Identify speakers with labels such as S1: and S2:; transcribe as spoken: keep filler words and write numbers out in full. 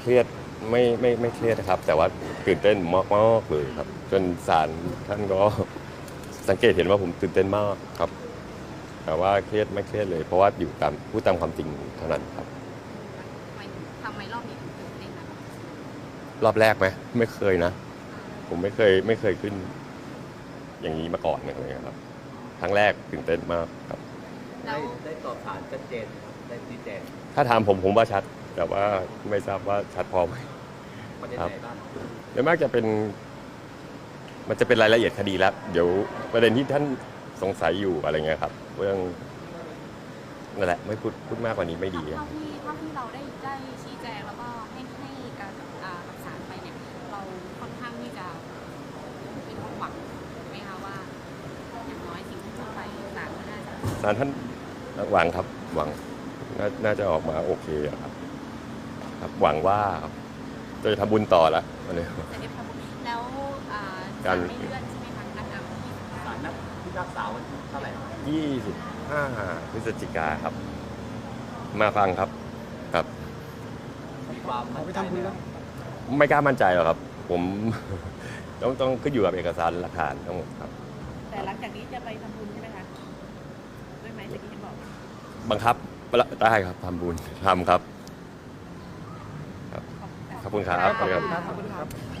S1: เครียดไม่ไม่ไม่เครียดนะครับแต่ว่าตื่นเต้นมากมากเลยครับจนศาลท่านก็สังเกตเห็นว่าผมตื่นเต้นมากครับแต่ว่าเครียดไม่เครียดเลยเพราะว่าอยู่ตามพูดตามความจริงเท่านั้นครับ
S2: ทำไมทำไมรอบนี้ถึงตื่นเต้นนะ
S1: รอบแรกไหมไม่เคยนะผมไม่เคยไม่เคยขึ้นอย่างนี้มาก่อนเลยครับครั้งแรกตื่นเต้นมากครับ
S3: ได้ได้ตอบฐานชัดเจนได้ชี้แจง
S1: ถ้าถามผมผมว่าชัดแต่ว่าไม่ทราบว่าชัดพอไหม
S3: ประเด็นไหนบ้าง
S1: เดี๋ยวมากจะเป็นมันจะเป็นรายละเอียดคดีแล้วเดี๋ยวประเด็นที่ท่านสงสัยอยู่อะไรเงี้ยครับเรื่องนั่นแหละไม่พูดพูดมากกว่านี้ไม่ดี
S2: เท่าที่เท่าที่เราได้ได้ชี้แจงแล้วก็ให้ให้การกับศาลไปเนี่ยเราค่อนข้างที่จะมีความหวังไหมคะว่าอย่างน้อยสิ่งที่จะไปศาลก็น่าจะ
S1: ศาลท่านหวังครับหวังน่าจะออกมาโอเคครับครับหวังว่าจะทำบุญต่อละวันนี้
S2: จะได้ทำแล้วการไม่เลื่อนใช่ไหมคะนัดอ่านที่
S3: ศาลนัดพิพากษาวันเท่าไหร่
S1: ยี่สิบห้าพฤศจิกาครับมาฟังครับครับ
S3: มีความมั่นใจไหมครับ
S1: ไม่กล้ามั่นใจหรอกครับผมต้องต้องขึ้นอยู่กับเอกสารหลักฐานทั้งหมดครับ
S2: แต่หลังจากนี้จะไปทำบุญใช่ไหมคะด้วยไหมตะกี้ที่บอก
S1: บังคับได้ครับทำบุญทำครับขอบคุณครับ
S2: ขอบคุณครับ